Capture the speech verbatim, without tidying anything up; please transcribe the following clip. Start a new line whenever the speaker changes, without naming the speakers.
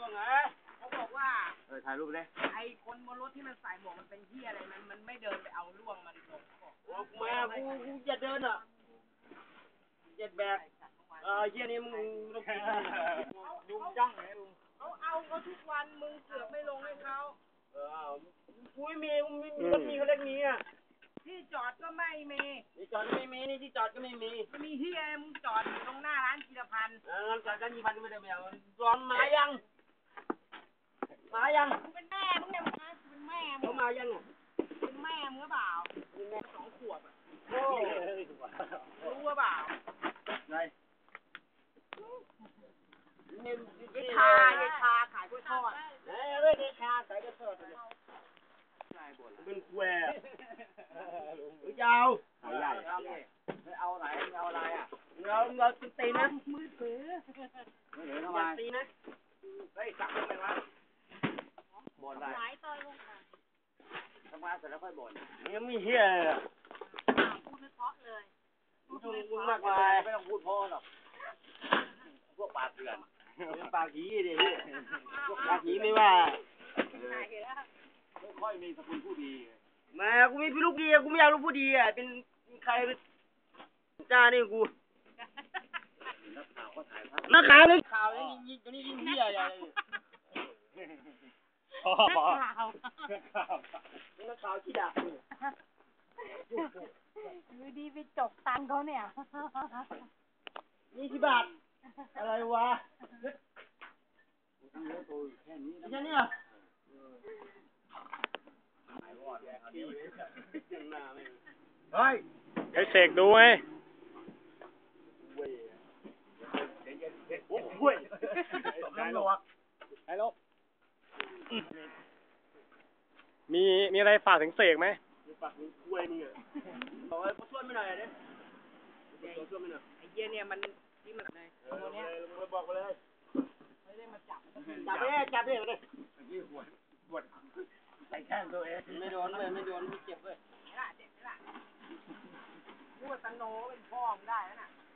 ว่าไงเขาบอกว่าเออถ่ายรูปเลยไอ้คนบนรถที่มันใส่หมวกมันเป็นเหี้ยอะไรมันมันไม่เดินไปเอาล่วงมันลงบอกมากูกูอย่าเดินอ่ะเจ็ดแบกเออเหี้ยนี่มึงต้องกินยุ่งจังไงลุงเขาเอาเขาทุกวันมึงเสือกไม่ลงให้เขาเออกูไม่มีมึงมีรถมีเขาเล็กมีอ่ะที่จอดก็ไม่มีที่จอดก็ไม่มีนี่ที่จอดก็ไม่มีมีเฮียมึงจอดอยู่ตรงหน้าร้านจิรพันธ์เออจอดกันจิรพันธ์ไม่ได้ไม่เอาร้อนมายังมายังมึงเป็นแม่มึงเนี่ยมึงเป็นแม่มึงเขามายังอ่ะเป็นแม่มึงหรือเปล่าเป็นแม่สองขวบอ่ะโอ้รู้ว่าเปล่าไงเยชาเยชาขายกล้วยทอดเอ้ยเยชาขายกล้วยทอดเป็นแควยาวเอาใหญ่เอาไหนเอาอะไรอ่ะเราเราตีนะมือถือมือถือทำไมตีนะเฮ้ยจับทำไมวะบ่นอะไรหลายต่อยลงทำงานเสร็จแล้วค่อยบ่นยังไม่เฮี้ยพูดไม่เพราะเลยพูดมากมายไม่ต้องพูดเพราะหรอกพวกปากเถื่อนปากขี้ดิพวกปากขี้ไม่ว่าไม่ค่อยมีสกุลผู้ดีมากูมีพี่ลูกดีกูไม่อยากลูกผู้ดีอ่ะเป็นใครเป็นจ้านี่กูนักข่าวก็ถ่ายภาพนักข่าวเลยข่าวนี่ยิงตัวนี้ยิงเหี้ยใหญ่นักข่าวนักข่าวขี้ด่าอยู่ดีไปจกตังเขาเนี่ยนี่กี่บาทอะไรวะแค่นี้อ่ะเฮ้ยให้เสกดูไหมโอ้โหไอ้ลกไอ้ลกมีมีอะไรฝากถึงเสกไหมมีฝากถึงคุยมึงอ่ะบอกให้ช่วยไม่หน่อยดิช่วยไม่หน่อยไอ้เหี้ยเนี่ยมันที่มันในตัวเนี้ยมึงบอกไปเลยไม่ได้มาจับจับไปจับไปเลยเมื่อกี้หัวปวดใส่แข้งตัวเองไม่โดนเลยไม่โดนไม่เจ็บเลยนี่ล่ะเจ็บนี่ล่ะพูดตังโนเป็นพ่อมึงได้แล้วน่ะ